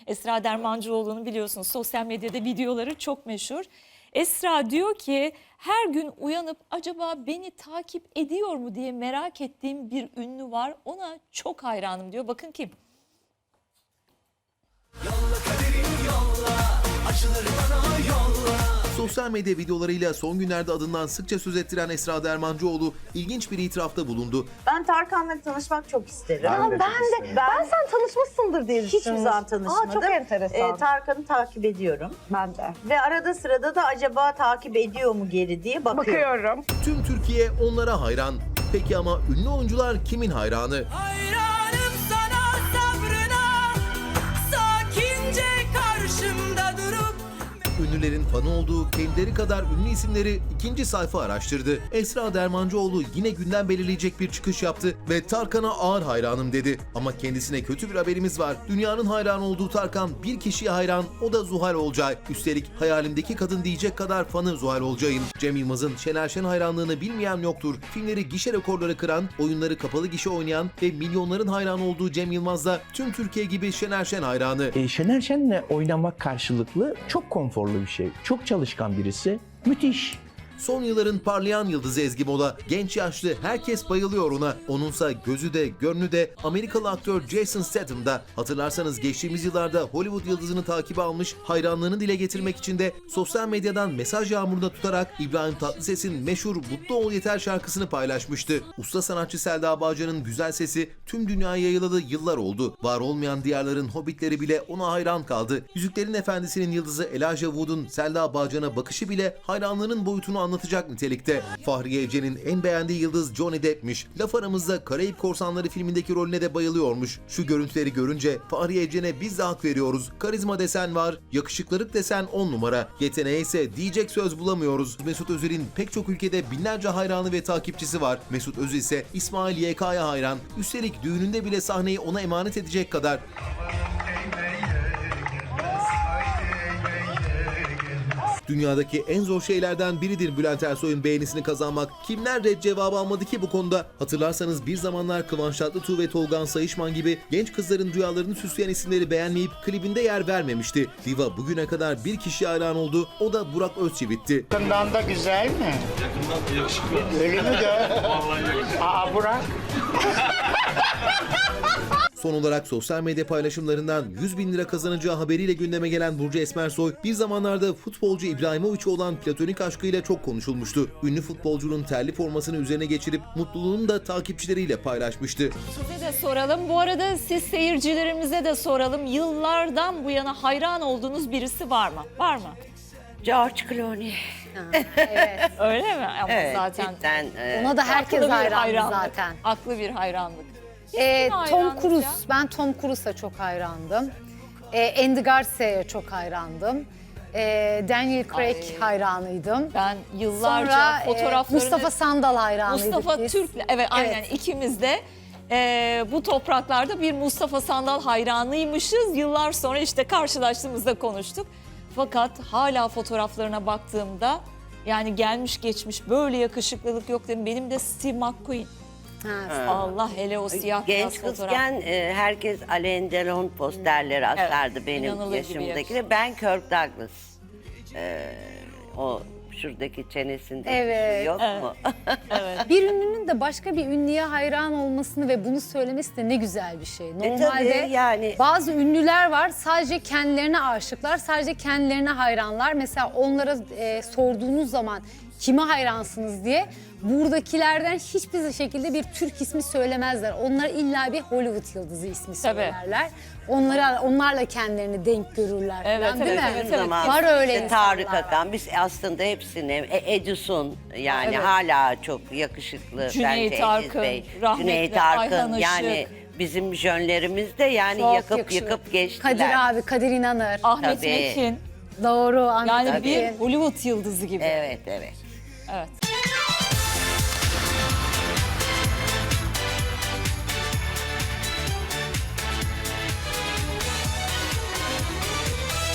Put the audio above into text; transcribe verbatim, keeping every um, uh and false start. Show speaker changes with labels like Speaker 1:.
Speaker 1: Esra Dermancıoğlu'nun biliyorsunuz sosyal medyada videoları çok meşhur. Esra diyor ki her gün uyanıp acaba beni takip ediyor mu diye merak ettiğim bir ünlü var. Ona çok hayranım diyor. Bakın kim?
Speaker 2: Yolla kaderini yolla, acıları bana yolla.
Speaker 3: Sosyal medya videolarıyla son günlerde adından sıkça söz ettiren Esra Dermancıoğlu ilginç bir itirafta bulundu.
Speaker 4: Ben Tarkan'la tanışmak çok isterim.
Speaker 5: Ben de, ben de. Ben, ben sen tanışmışsındır diye
Speaker 4: Hiçbir
Speaker 5: düşünmüştüm.
Speaker 4: zaman tanışmadım.
Speaker 5: Aa, çok enteresan.
Speaker 4: Ee, Tarkan'ı takip ediyorum.
Speaker 5: Ben de.
Speaker 4: Ve arada sırada da acaba takip ediyor mu geri diye bakıyorum.
Speaker 5: Bakıyorum.
Speaker 3: Tüm Türkiye onlara hayran. Peki ama ünlü oyuncular kimin hayranı?
Speaker 2: Hayranım sana sabrına, sakince karşımda durup.
Speaker 3: Ünlülerin fanı olduğu kendileri kadar ünlü isimleri ikinci sayfa araştırdı. Esra Dermancıoğlu yine gündem belirleyecek bir çıkış yaptı ve Tarkan'a ağır hayranım dedi. Ama kendisine kötü bir haberimiz var. Dünyanın hayran olduğu Tarkan bir kişiye hayran, o da Zuhal Olcay. Üstelik hayalimdeki kadın diyecek kadar fanı Zuhal Olcay'ın. Cem Yılmaz'ın Şener Şen hayranlığını bilmeyen yoktur. Filmleri gişe rekorları kıran, oyunları kapalı gişe oynayan ve milyonların hayran olduğu Cem Yılmaz da tüm Türkiye gibi Şener Şen hayranı.
Speaker 6: E, Şener Şen'le oynamak karşılıklı çok konforlu bir şey. Çok çalışkan birisi. Müthiş.
Speaker 3: Son yılların parlayan yıldızı Ezgi Mola, genç yaşlı herkes bayılıyor ona. Onunsa gözü de gönlü de Amerikalı aktör Jason Statham'da. Hatırlarsanız geçtiğimiz yıllarda Hollywood yıldızını takibe almış, hayranlığını dile getirmek için de sosyal medyadan mesaj yağmuruna tutarak İbrahim Tatlıses'in meşhur Mutlu Ol Yeter şarkısını paylaşmıştı. Usta sanatçı Selda Bağcan'ın güzel sesi tüm dünyaya yayılalı yıllar oldu. Var olmayan diyarların hobbitleri bile ona hayran kaldı. Yüzüklerin Efendisi'nin yıldızı Elijah Wood'un Selda Bağcan'a bakışı bile hayranlığının boyutunu anlatacak nitelikte. Fahriye Evcen'in en beğendiği yıldız Johnny Depp'miş. Laf aramızda Karayip Korsanları filmindeki rolüne de bayılıyormuş. Şu görüntüleri görünce Fahriye Evcen'e biz de hak veriyoruz. Karizma desen var, yakışıklılık desen on numara. Yeteneğe ise diyecek söz bulamıyoruz. Mesut Özil'in pek çok ülkede binlerce hayranı ve takipçisi var. Mesut Özil ise İsmail Y K'ya hayran. Üstelik düğününde bile sahneyi ona emanet edecek kadar. Dünyadaki en zor şeylerden biridir Bülent Ersoy'un beğenisini kazanmak. Kimler red cevabı almadı ki bu konuda? Hatırlarsanız bir zamanlar Kıvanç Tatlıtuğ ve Tolgan Sayışman gibi genç kızların rüyalarını süsleyen isimleri beğenmeyip klibinde yer vermemişti. Diva bugüne kadar bir kişi hayran oldu. O da Burak Özçivit'ti.
Speaker 7: Yakından da güzel mi? Yakından yakışıklı. Öyle mi de? Vallahi yakışıklı. Aa Burak.
Speaker 3: Son olarak sosyal medya paylaşımlarından yüz bin lira kazanacağı haberiyle gündeme gelen Burcu Esmersoy, bir zamanlarda futbolcu İbrahimovic'e olan platonik aşkıyla çok konuşulmuştu. Ünlü futbolcunun terli formasını üzerine geçirip mutluluğunu da takipçileriyle paylaşmıştı.
Speaker 1: Size de soralım. Bu arada siz seyircilerimize de soralım. Yıllardan bu yana hayran olduğunuz birisi var mı? Var mı?
Speaker 8: George Clooney.
Speaker 1: Öyle mi? Ama
Speaker 8: Evet,
Speaker 1: zaten
Speaker 8: cidden. e,
Speaker 9: Ona da herkes
Speaker 1: haklı bir
Speaker 9: hayrandı
Speaker 1: hayranlık.
Speaker 9: zaten.
Speaker 1: Haklı bir hayranlık.
Speaker 9: Ee,
Speaker 1: Kim
Speaker 9: Tom
Speaker 1: hayranınız
Speaker 9: Cruise,
Speaker 1: ya?
Speaker 9: ben Tom Cruise'a çok hayrandım. Ee, Andy Garcia'ya çok hayrandım. Ee, Daniel Craig
Speaker 1: Ay.
Speaker 9: hayranıydım.
Speaker 1: Ben yıllarca
Speaker 9: Sonra e,
Speaker 1: fotoğraflarını...
Speaker 9: Mustafa Sandal hayranıydık
Speaker 1: Mustafa
Speaker 9: biz.
Speaker 1: Türk'le, evet aynen
Speaker 9: Evet.
Speaker 1: ikimiz de e, bu topraklarda bir Mustafa Sandal hayranıymışız. Yıllar sonra işte karşılaştığımızda konuştuk. Fakat hala fotoğraflarına baktığımda yani gelmiş geçmiş böyle yakışıklılık yok dedim. Benim de Steve McQueen.
Speaker 9: Ha,
Speaker 1: Allah hele o siyah beyaz
Speaker 8: Genç
Speaker 1: fotoğraf.
Speaker 8: kızken e, herkes Alain Delon posterleri asardı benim
Speaker 1: inanılır gibi
Speaker 8: yaşımdaki. Ben Kirk Douglas. E, o şuradaki çenesinde
Speaker 9: Evet.
Speaker 8: yok mu?
Speaker 9: Bir ünlünün de başka bir ünlüye hayran olmasını ve bunu söylemesi de ne güzel bir şey.
Speaker 8: E,
Speaker 9: Normalde
Speaker 8: tabii yani.
Speaker 9: bazı ünlüler var sadece kendilerine aşıklar, sadece kendilerine hayranlar. Mesela onlara e, sorduğunuz zaman kime hayransınız diye buradakilerden hiçbir şekilde bir Türk ismi söylemezler. Onlar illa bir Hollywood yıldızı ismi söylerler. Onlara, onlarla kendilerini denk görürler
Speaker 1: Evet,
Speaker 9: falan, değil
Speaker 1: evet,
Speaker 9: mi?
Speaker 1: evet,
Speaker 8: Bizim zaman
Speaker 9: Var öyle
Speaker 8: işte
Speaker 9: insanlar.
Speaker 8: Tarık Akan, biz aslında hepsini, e, Edison yani
Speaker 1: Evet.
Speaker 8: hala çok yakışıklı
Speaker 1: Cüneyt
Speaker 8: bence
Speaker 1: Arkın,
Speaker 8: Ediz Bey.
Speaker 1: rahmetli
Speaker 8: Cüneyt
Speaker 1: Ayhan
Speaker 8: Arkın
Speaker 1: Işık.
Speaker 8: yani bizim jönlerimizde yani
Speaker 9: Çok
Speaker 8: yakıp
Speaker 9: yakışıyor.
Speaker 8: yıkıp geçtiler.
Speaker 9: Kadir abi, Kadir İnanır.
Speaker 1: Ahmet
Speaker 8: Tabii.
Speaker 1: Mekin.
Speaker 9: Doğru. Ahmet
Speaker 1: Yani
Speaker 9: Mekin.
Speaker 1: bir Hollywood yıldızı gibi.
Speaker 8: Evet, evet.
Speaker 1: Evet.